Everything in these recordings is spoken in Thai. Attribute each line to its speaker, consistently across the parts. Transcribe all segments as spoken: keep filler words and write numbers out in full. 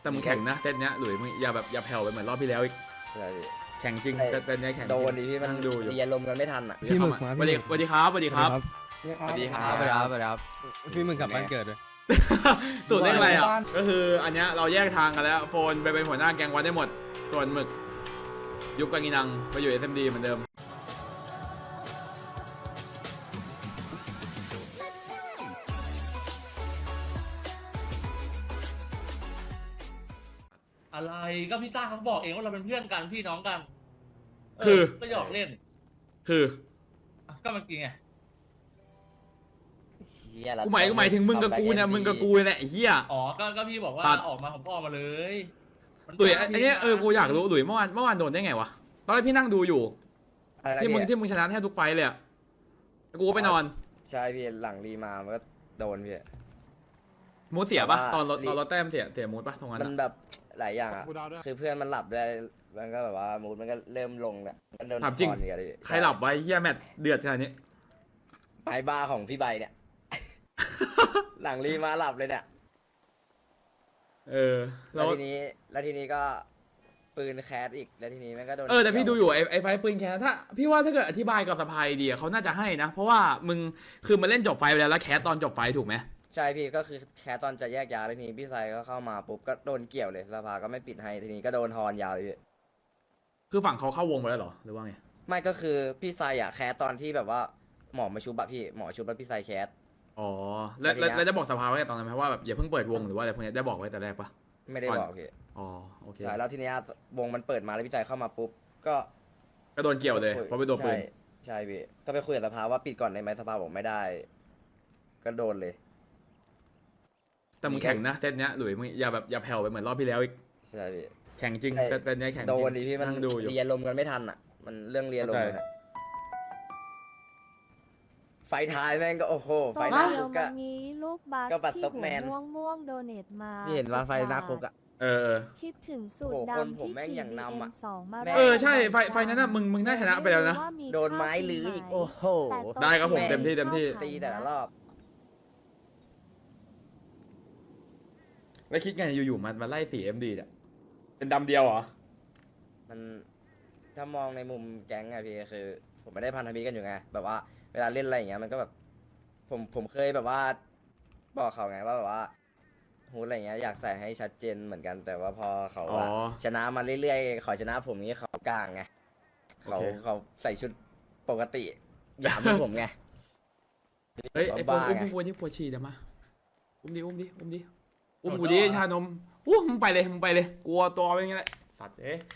Speaker 1: แต่มึงแข่งนะเซตเนี้ยหลุยมึงอย่าแบบอย่าแผ่วไปเหมือนรอบที่แล้วอีก
Speaker 2: ใช่พี่
Speaker 1: แข่งจริงเซตเนี้ยแข่งจ
Speaker 2: โด
Speaker 1: ริง
Speaker 2: นดิพี่มัน
Speaker 1: นั่งดูอยู่
Speaker 2: เรียนลมกันไม่ทันอ่ะ
Speaker 3: พี่หมึกมา
Speaker 1: สวัสดีสวัสดีครับสวัสดีครับ
Speaker 4: สวัสดีครับสวัสดีครับสวัสดีครับ
Speaker 3: พี่หมึกกลับบ้านเกิดเลย
Speaker 1: สูตรเลขอะไรอ่ะก็คืออันเนี้ยเราแยกทางกันแล้วโฟนไปเป็นหัวหน้าแกงวันได้หมดส่วนหมึกยุบกังีนังไปอยู่ เอส เอ็ม ดี เหมือนเดิม
Speaker 5: อะไรก็พี่จ้าเขาบอกเองว่าเราเป็นเพื่อนกันพี่น้องกันเ
Speaker 1: คือ
Speaker 5: ก็หยอกเล่น
Speaker 1: คือ
Speaker 5: อ่ะก็เมื่อกี้ไง
Speaker 2: เหี้ยละ
Speaker 1: กูหมายกูหมายถึงมึงกับกูเนี่ยมึงกับกูเนี่ยแหละไอ้เหี้ย
Speaker 5: อ๋อก็ก็พี่บอกว่า
Speaker 1: สัตว์
Speaker 5: ออกมาผมก็ออกมาเลยมัน
Speaker 1: หลุย
Speaker 5: จ้า
Speaker 1: อันเนี้ยเออกูอยากรู้หลุยเมื่อวานเมื่อวานโดนได้ไงวะตอนแรกพี่นั่งดูอยู่
Speaker 2: อะไรนะ
Speaker 1: ที่มึง
Speaker 2: พี่
Speaker 1: ที่มึงชนะแทบทุกไฟท์เลยอะแล้วกูก็ไปนอน
Speaker 2: ใช่พี่หลังรีมามันก็โดนพี่
Speaker 1: มูดเสียปะ
Speaker 2: แต่ว่า
Speaker 1: ตอนรถ
Speaker 2: ลิ
Speaker 1: ตอนรถแต้มเสียเสียมูดปะตรงนั้น
Speaker 2: มัน
Speaker 1: อะ
Speaker 2: แบบหลายอย่างอ่ะคือเพื่อนมันหลับด้วยมันก็แบบว่ามูดมันก็เริ่มลงเนี่ยมันโดน
Speaker 1: ถามจริง
Speaker 2: คอนเนี่ยพี่
Speaker 1: ใครหลับไว้เฮียแมตช์เดือดขนาดนี้
Speaker 2: ไม้บ้าของพี่ใบเนี่ย หลังรีมาหลับเลยเนี่ย
Speaker 1: เออ
Speaker 2: แล้
Speaker 1: แล้ว ว
Speaker 2: ทีนี้แล้วทีนี้ก็ปืนแคสอีกแล้วทีนี้มันก็โดน
Speaker 1: เออแต่พี่ดูอยู่ไอ้ไอ้ไฟท์ปืนแคสถ้าพี่ว่าถ้าเกิดอธิบายกับสภายดีอะเขาน่าจะให้นะ เพราะว่ามึงคือมันเล่นจบไฟท์ไปแล้วแล้วแคสตอนจบไฟท์ถูกไหม
Speaker 2: ใช่พี่ก็คือแคสตอนจะแยกย้ายแล้วทีนี้พี่ไซก็เข้ามาปุ๊บก็โดนเกี่ยวเลยสภาก็ไม่ปิดให้ทีนี้ก็โดนทอนยาวเลยพี่
Speaker 1: คือฝั่งเขาเข้าวงไปแล้วเหรอหรือว่าไง
Speaker 2: ไม่ก็คือพี่ไซอะแคสตอนที่แบบว่าหมอมาชุบอะพี่หมอชุบแล้วพี่ไซแคส
Speaker 1: อ๋อแล้ว
Speaker 2: แล้วที
Speaker 1: แล้ว
Speaker 2: เนี้ย
Speaker 1: แล้วจะบอกสภาไว้ตอนนั้นไหมว่าแบบอย่าเพิ่งเปิดวงหรือว่าอะไรพวกเนี้ยได้บอกไว้แต่แรกปะ
Speaker 2: ไม่ได้บอกพี่
Speaker 1: อ๋อโอเค
Speaker 2: ใช่แล้วทีเนี้ยวงมันเปิดมาแล้วพี่ไซเข้ามาปุ๊บก็
Speaker 1: ก็โดนเกี่ยวเลยเพราะไปโดนปืน
Speaker 2: ใช่ใช่พี่ก็ไปคุยกับสภาว่าปิดก่อนได้ไหมสภาบอกไม่ได้ ก็โดนเลย
Speaker 1: แต่มึงแข่งนะเซตเนี้ยหลุยมึงอย่าแบบอย่าแผ่วไปเหมือนรอบที่แล้วอีก
Speaker 2: ใช่พี่
Speaker 1: แข่งจริง
Speaker 2: ใช่
Speaker 1: เซตเนี้ยแข่งจ
Speaker 2: โด
Speaker 1: ริง
Speaker 2: นดิพี่มัน
Speaker 1: นั่งดูอยู่
Speaker 2: เรียนลมกันไม่ทันอ่ะ มันเรื่องเรียนลม
Speaker 1: เข้าใจ
Speaker 2: เลยนะไฟท้ายแม่งก็โอ้โหไฟ
Speaker 6: ไฟ
Speaker 2: หน้า
Speaker 6: เดี
Speaker 2: คุ
Speaker 6: ยว
Speaker 2: ก
Speaker 6: มั
Speaker 2: อะ
Speaker 6: นมีลูกบาส
Speaker 2: ก็บัตร
Speaker 6: ที่
Speaker 2: ซ็อก
Speaker 6: หั
Speaker 2: แม
Speaker 6: วน ม่วงม่วงโดเนทมา
Speaker 2: พี่เห็นว่าไฟหน้าคุกอะ
Speaker 1: เออเออ
Speaker 6: คิดถึงสูตร
Speaker 2: โอ้โหคน
Speaker 6: ดำ
Speaker 2: ผม
Speaker 6: ที่
Speaker 2: แม่ง
Speaker 6: ขี่
Speaker 2: อย่าง
Speaker 6: บี
Speaker 2: นำอะ
Speaker 6: เอ็มสองมา
Speaker 2: แม่ง
Speaker 1: เออใช่ไฟไฟนั้นน่ะมึงมึงได้ชนะไปแล้วนะ
Speaker 6: ว่ามี
Speaker 2: โดนไม้
Speaker 6: ค่า
Speaker 2: ลื้ออีก
Speaker 6: ไหม
Speaker 2: โอ้โห
Speaker 6: แต่
Speaker 1: ได้ครับผม
Speaker 6: แ
Speaker 1: เต็มที่เต็มที่
Speaker 2: ตีแต่ละรอบ
Speaker 1: แล้วคิดไงอยู่ๆมันมาไล่สีเอ็มดีเนี่ยเป็นดำเดียวเหรอ
Speaker 2: มันถ้ามองในมุมแก๊งอะพี่คือ ผมไม่ได้พันธมิตรกันอยู่ไงแบบว่าเวลาเล่นอะไรอย่างเงี้ยมันก็แบบ ผมผมเคยแบบว่า บอกเขาไงว่าแบบว่าฮูดอะไรเงี้ยอยากใส่ให้ชัดเจนเหมือนกัน แต่ว่าพอเขา
Speaker 1: อ๋อ
Speaker 2: อะชนะมาเรื่อยๆขอชนะผมนี้เขากลางไงเขา
Speaker 1: โอเค
Speaker 2: เขาใส่ชุดปกติหยามเหมือนผมไง
Speaker 1: เฮ้ยไอโฟน
Speaker 2: บ้า
Speaker 1: อุ้ม
Speaker 2: ไง
Speaker 1: กูปวดที่ปวดฉี่เดี๋ยวมาอุ้มดิอุ้มดิอุ้มดิอุ้มกูดิชานมอู้มึงไปเลยมึงไปเลยกลัวตัวเป็นไงแหละสัตว์เอ๊ะ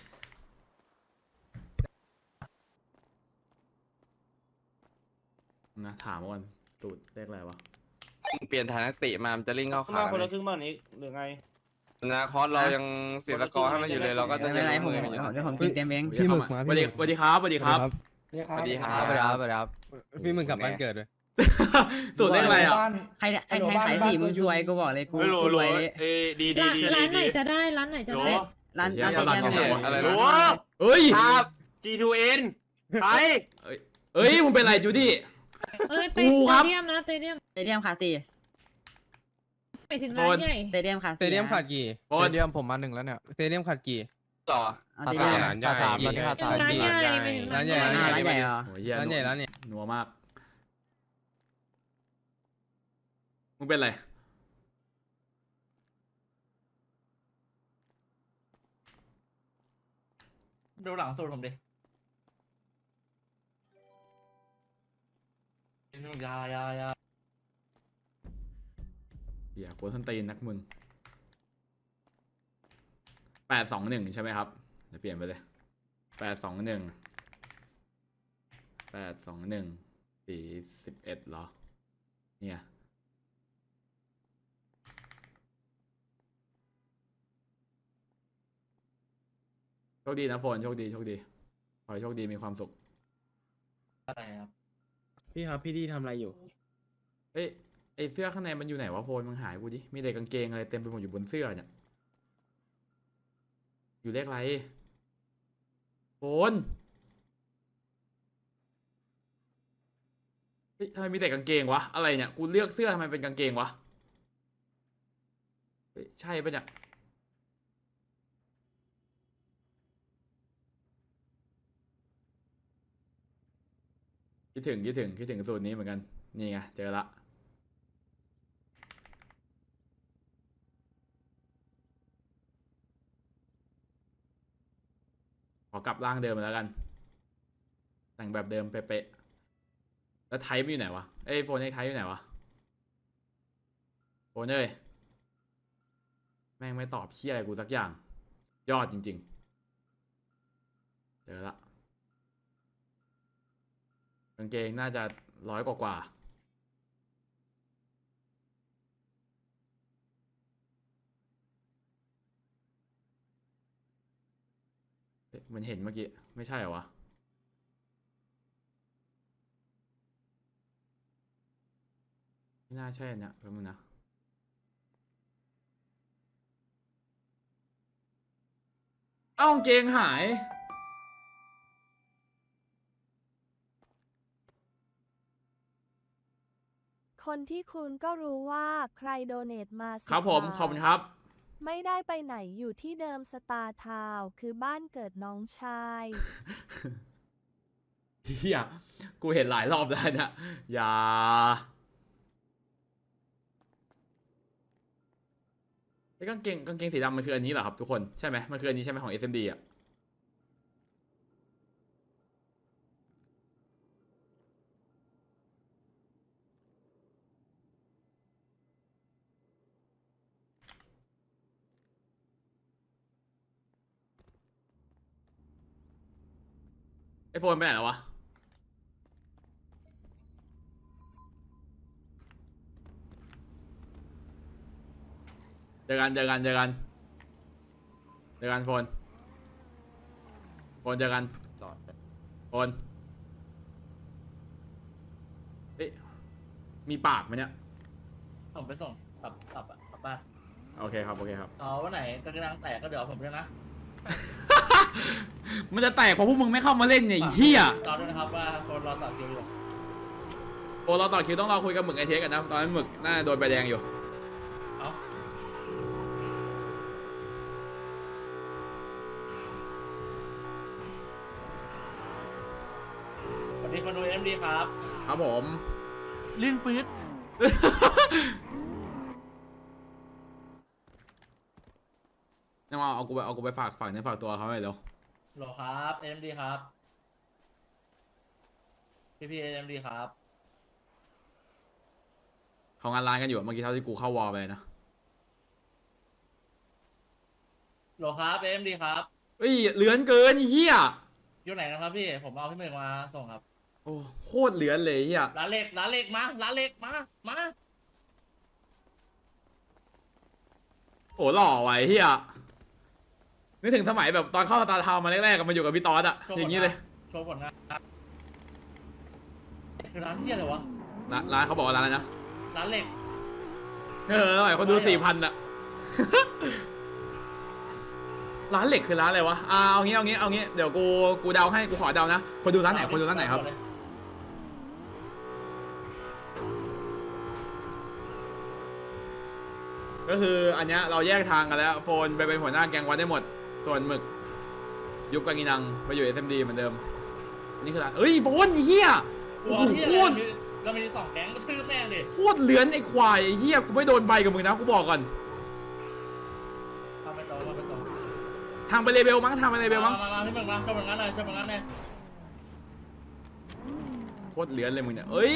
Speaker 1: นะถามก่อนสูตรเลขอะไรวะ
Speaker 4: เปลี่ยนฐานนักเตะมามันจะลิ่งเข้า
Speaker 7: ขึ้น
Speaker 4: ขา
Speaker 7: มาคน
Speaker 4: เล
Speaker 7: ละ
Speaker 4: ย
Speaker 7: ครึ่งบ้านนี้หรือไง
Speaker 4: นาคอสเรายังเสียสกอร์ให้มันอยู่เลยเราก็จะ
Speaker 8: ไม่เป็นไร
Speaker 4: ยัง
Speaker 8: ผม
Speaker 4: มือมันอยู่
Speaker 8: เดี๋ยวผมกินเต็มเอง
Speaker 3: พี่หมึกมา
Speaker 1: สวัสดีสวัสดีครับสวัสดีครับ
Speaker 4: สวัสดีครับสวัสดีครับสวัสดีครับ
Speaker 3: พี่หมึกกลับบ้านเกิดเลย
Speaker 1: สูตรเลขอะไรอ่ะ
Speaker 8: ใครใครแทงสายสี่มึงซวยกูบอกเลยกู
Speaker 7: ไม่รู้
Speaker 8: กูร
Speaker 7: รู้
Speaker 8: วยเลย
Speaker 7: เอ้ยดีดีดี
Speaker 9: ร้านไหน
Speaker 7: ดี
Speaker 9: จะได้ร้านไหนจะ
Speaker 7: รู้
Speaker 9: ได้
Speaker 8: ร้าน
Speaker 1: เดี๋ยว
Speaker 8: ร้าน
Speaker 1: เขา
Speaker 8: เดียว
Speaker 1: ร้าน
Speaker 8: เนี่ย
Speaker 4: อะไร
Speaker 7: รู้
Speaker 4: นะ
Speaker 1: เอ้ย
Speaker 7: ครับ จี ทู เอ็น ไป
Speaker 1: เอ้ยมึงเป็นไรจูดี้
Speaker 9: เอ้ยไป
Speaker 1: กู
Speaker 9: ส
Speaker 1: ครับ
Speaker 9: เตเดียมนะสเตเดียม
Speaker 8: สเตเดียมขาดสี่
Speaker 9: ไปถึงร้านใหญ่
Speaker 8: สเตเดียมขาด
Speaker 3: สเตเดียมขาดกี่
Speaker 1: โอน
Speaker 4: เดียมผมมาหนึ่งแล้วเนี่ย
Speaker 3: สเตเดียมขาดกี่
Speaker 4: ต่อ
Speaker 8: เอาสเตเดียม
Speaker 3: ร้านใหญ่
Speaker 4: สามตอนนี้ขาด
Speaker 9: ถึ
Speaker 4: สาง ม
Speaker 9: ร้าน
Speaker 4: สี่
Speaker 9: ใหญ่ไปถึง
Speaker 3: ร้านใหญ่
Speaker 8: อ่าร้านใหญ่เหรอ
Speaker 1: โอ้ยเหี้ย
Speaker 3: ร้านใหญ่ร้านเนี่ย
Speaker 1: นัวมากมึงเป็นไร
Speaker 5: ดูหลังสูตรผมดิยายายา
Speaker 1: เหี้ยกลัวส้นตีนนักมึงแปดสองหนึ่งใช่ไหมครับเดี๋ยวเปลี่ยนไปเลยแปดสองหนึ่งแปดสองหนึ่งสี่สิบเอ็ดเหรอเนี่ยโชคดีนะโฟนโชคดีโชคดีขอให้โชคดีมีความสุข
Speaker 5: อะไรครับ
Speaker 3: พี่ครับพี่ดีทำอะไรอยู่
Speaker 1: เอ้ยไอเสื้อข้างในมันอยู่ไหนวะโฟนมึงหายกูดิมีแต่กางเกงอะไรเต็มไปหมดอยู่บนเสื้อเนี่ยอยู่เลขอะไรโฟนเฮ้ยทำไมมีแต่กางเกงวะอะไรเนี่ยกูเลือกเสื้อทำไมเป็นกางเกงวะเฮ้ยใช่ปะเนี่ยคิดถึงคิดถึงคิดถึงสูตรนี้เหมือนกันนี่ไงเจอละขอกลับร่างเดิมมาแล้วกันแต่งแบบเดิมเป๊ะๆแล้วไทป์มันอยู่ไหนวะเอ้ยโฟนไอ้ไทป์อยู่ไหนวะโฟนเอ้ยแม่งไม่ตอบเหี้ยอะไรกูสักอย่างยอดจริงๆเจอละกางเกงน่าจะร้อยกว่ากว่าเอ๊ะมันเห็นเมื่อกี้ไม่ใช่เหรอวะไม่น่าใช่เนี่ยแป๊บนึงนะเอ้ากางเกงหาย
Speaker 6: คนที่คุณก็รู้ว่าใครโดเนทมาสิ
Speaker 1: ครับผม
Speaker 6: าท
Speaker 1: ขอบคุณครับ
Speaker 6: ไม่ได้ไปไหนอยู่ที่เดิมสตาร์ทาวน์คือบ้านเกิดน้องชาย
Speaker 1: เฮียกูเห็นหลายรอบแล้วเนะอย่าไอ้กางเกงกางเกงสีดำมันคืออันนี้เหรอครับทุกคนใช่ไหมมันคืออันนี้ใช่ไหมของ เอส เอ็ม ดี อ่ะไอโฟนไปไหนแล้ววะเจอกันเจอกันเจอกันเจอกันโฟนโฟนเจอกัน
Speaker 2: จอด
Speaker 1: โฟนเอ๊ะมีปากไหมเนี่ย
Speaker 5: ผมไปส่งกลับกลับอะกลับบ้าน
Speaker 1: โอเคครับโอเคครับ
Speaker 5: เอาวันไหนกระดังแตกก็เดี๋ยวเอาผมด้วยนะ
Speaker 1: มันจะแตกเพราะพวกมึงไม่เข้ามาเล่นเนี่ยไอ้เฮีย
Speaker 5: รอด้วยนะครับว่าคนรอต่อคิวอยู่
Speaker 1: โอ้เราต่อคิวต้องรอคุยกับหมึกไอเทสกันนะตอนนั้นหมึกน่าโดนใบแดงอยู่
Speaker 5: เอาสวัสดีคนดูเอ็มดีครับ
Speaker 1: ครับผม
Speaker 5: ลิ้นปื๊ด
Speaker 1: นี่ว่าเอากูไปเอากูไปฝากฝากเนื้อฝากตัวเขาหน่อยเร็ว
Speaker 5: โหลครับเอ็มดีครับพี่พีเอ็มดีครับ
Speaker 1: เขางานร้านกันอยู่อะเมื่อกี้เท่าที่กูเข้าวอลไปนะ
Speaker 5: โหลครับเอ็มดีครับ
Speaker 1: เฮ้ยเหลือนเกินไอ้เฮีย
Speaker 5: อยู่ไหนนะครับพี่ผมเอาพี่หมึกมาส่งครับ
Speaker 1: โอ้โคตรเหลือนเลยไอ้เฮีย
Speaker 5: ร้านเล็กร้านเล็กมาร้านเล็กมามา
Speaker 1: โอ้หล่อไว้เฮียนึกถึงสมัยแบบตอนเข้าสตาร์ทาวน์มาแรกๆกันมาอยู่กับพี่ตอสอะอย่างนี้เลย
Speaker 5: โชว์ผลงานครับคือร้านเที่ยอะไรวะ
Speaker 1: ร้านร้านเขาบอกว่าร้านอะไรนะ
Speaker 5: ร้านเหล็ก
Speaker 1: เออหน่อยคนดูสี่พันอะ ร้านเหล็กคือร้านอะไรวะอ่าเอางี้เอางี้เอางี้เดี๋ยวกูกูเดาให้กูขอเดานะคนดูร้านไหนคนดูร้านไหนครับ ก็คืออันเนี้ยเราแยกทางกันแล้วโฟนไปเป็นหัวหน้าแก๊งวัดได้หมด ส่วนหมึกยุบกากินังไปอยู่ เอส เอ็ม ดี เหมือนเดิมนี่คือร้านเอ้ยโฟนไอ้เฮียโอ้
Speaker 5: หัว
Speaker 1: โห
Speaker 5: เที่ย
Speaker 1: โค
Speaker 5: อะไร
Speaker 1: ตร
Speaker 5: เรามีสองแก๊งก็ทืบแม่งดิ
Speaker 1: โคตรเหลือนไอ้ควายไอ้เฮียกูไม่โดนใบกับมึงนะกูบอกก่อน
Speaker 5: ทำไปต่อทำไปต่อ
Speaker 1: ทางไปเลเบลมั้งทางไปเลเบลมั้ง
Speaker 5: มามาพี่หมึกมาโชว์ผลงานหน่อยโชว์ผลงานหน่อย
Speaker 1: โคตรเหลือนเลยมึงเนี่ยเอ้ย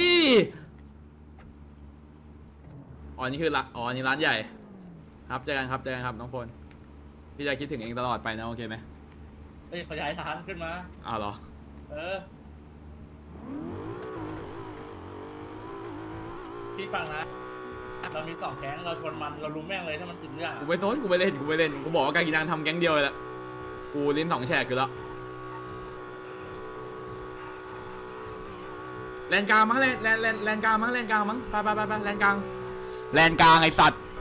Speaker 1: อ๋อนี่คือร้านอ๋อนี่ร้านใหญ่ครับเจอกันครับเจอกันครับน้องโฟนพี่จะคิดถึงเองตลอดไปนะโอเคไหม
Speaker 5: เฮ้ยขยายฐานขึ้นมา
Speaker 1: อ้าวเหรอ
Speaker 5: เออพี่ฟังนะเรามีสองแก๊งเราชนมันเรารู้แม่งเลยถ้ามันติดเรื่อง
Speaker 1: กูไม่สนกูไม่เล่นกูไม่เล่นกูบอกว่าการกินนังทำแก๊งเดียวเลยละกูลิ้นสองแฉกอยู่แล้วแลนกลางมั้งแลนแลนแลนแลนกลางมั้งแลนกลางมั้งไปไปไปไปแลนกลางแลนกลางไอสัตว์